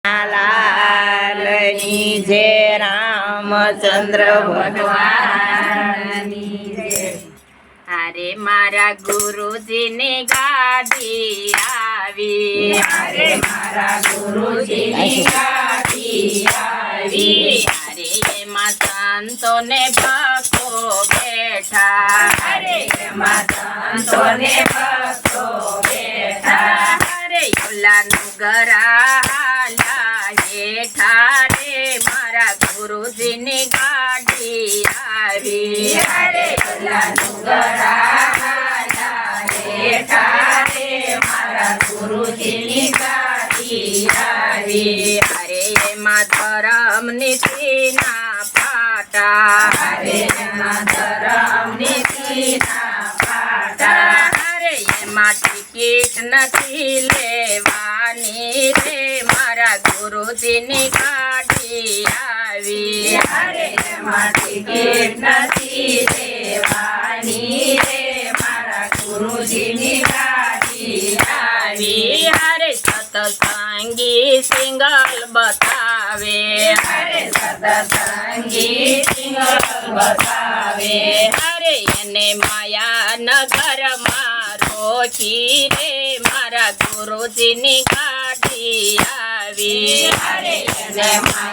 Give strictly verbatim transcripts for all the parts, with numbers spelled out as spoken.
લાલની જય રામચંદ્ર ભગવાનની જય। અરે મારા ગુરુજીની ગાડી આવી, અરે મારા ગુરુજીની ગાડી આવી, અરે એમાં સંતોને ભક્તો બેઠા, અરે એમાં સંતોને ભક્તો બેઠા, અરે ઓલાનું ગરા હાલ્યા હેઠા રે મારા ગુરુજીની ગાડી આવી, અરે ઓલાનું ગરા હાલ્યા હેઠા રે મારા ગુરુજીની ગાડી આવી, અરે એમાં ધરમ નીતિના પાટા, અરે એમાં ધરમ નીતિના પાટા, અરે એમાં ટિકિટ નથી લેવાની રે મારા ગુરુજીની ગાડી આવી, અરે એમાં ટિકિટ નથી લેવાની રે મારા ગુરુજીની ગાડી આવી, અરે સતસંગી સિંગલ બતાવે, અરે સતસંગી સિંગલ બતાવે, અરે એને માયા નગરમાં રોકી રે મારા ગુરુજીની ગાડી આવી, અરે એને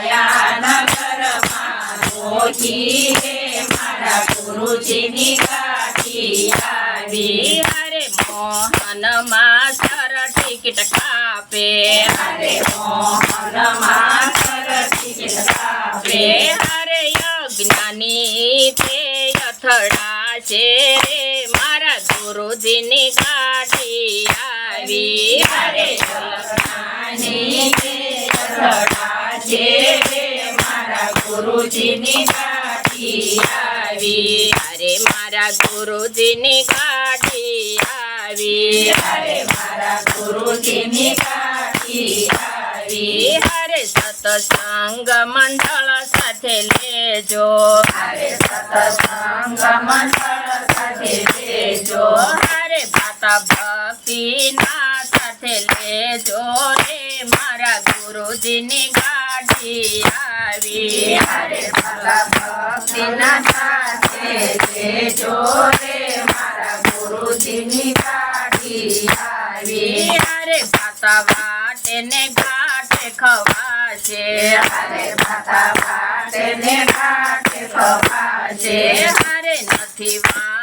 માયાનગરમાં રોકી રે મારા ગુરુજીની ગાડી આવી, અરે મોહનમાં સર ટિકિટ કાપે, અરે મોહનમાં સર ટિકિટ કાપે, અરે અજ્ઞાની તે અથડાશે રે મારા ગુરુજીની ગાડી આવી, અરે જગતની તે અથડાશે રે મારા ગુરુજીની ગાડી આવી, અરે મારા ગુરુજીની ગાડી આવી, અરે મારા ગુરુજીની ગાડી આવી, અરે સત્સંગ મંડળ સાથે લેજો, અરે સતસંગ મંડળ સાથે લેજો, અરે ભાતા ભક્તિના સાથે લેજો રે મારા ગુરુજીની ગાડી આવી, અરે ભલા ભક્તિના સાથે લેજો રે મારા ગુરુજીની ગાડી આવી, અરે ભાતા વાટે ને ઘાટે ખવાશે, અરે ભાતા વાટે ને ઘાટે ખવાશે, અરે નથી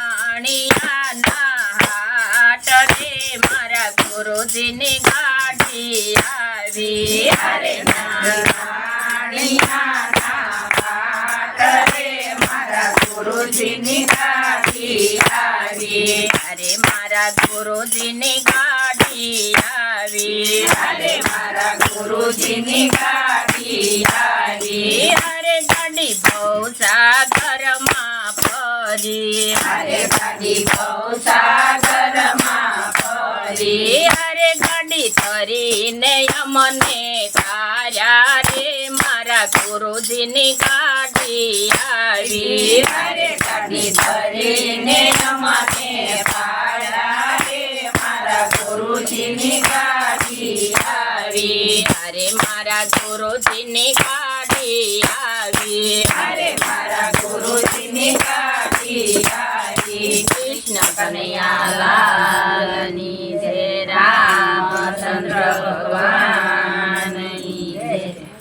વાણિયાના હાટ રે મારા ગુરુજીની ગાડી આવી, અરે નારાયણિયાના પાટ રે મારા ગુરુજીની ગાડી આવી, અરે મારા ગુરુજીની ગાડી આવી, અરે મારા ગુરુજીની ગાડી આવી, અરે ગાડી બહુ સાગરમાં ફરી, અરે ગાડી ગૌસાગરમાં ફરી, અરે ગાડી તરીને અમને તાર્યા રે મારા ગુરુજીની ગાડી આવી, અરે ગાડી ધરીને અમાને પાડ્યા રે મારા ગુરુજીની ગાડી આવી, અરે મારા ગુરુજીની ગાડી આવી, અરે મારા ગુરુજીની ગાડી આવી, કૃષ્ણ કનૈયા લાલની જય રામચંદ્ર ભગવાન।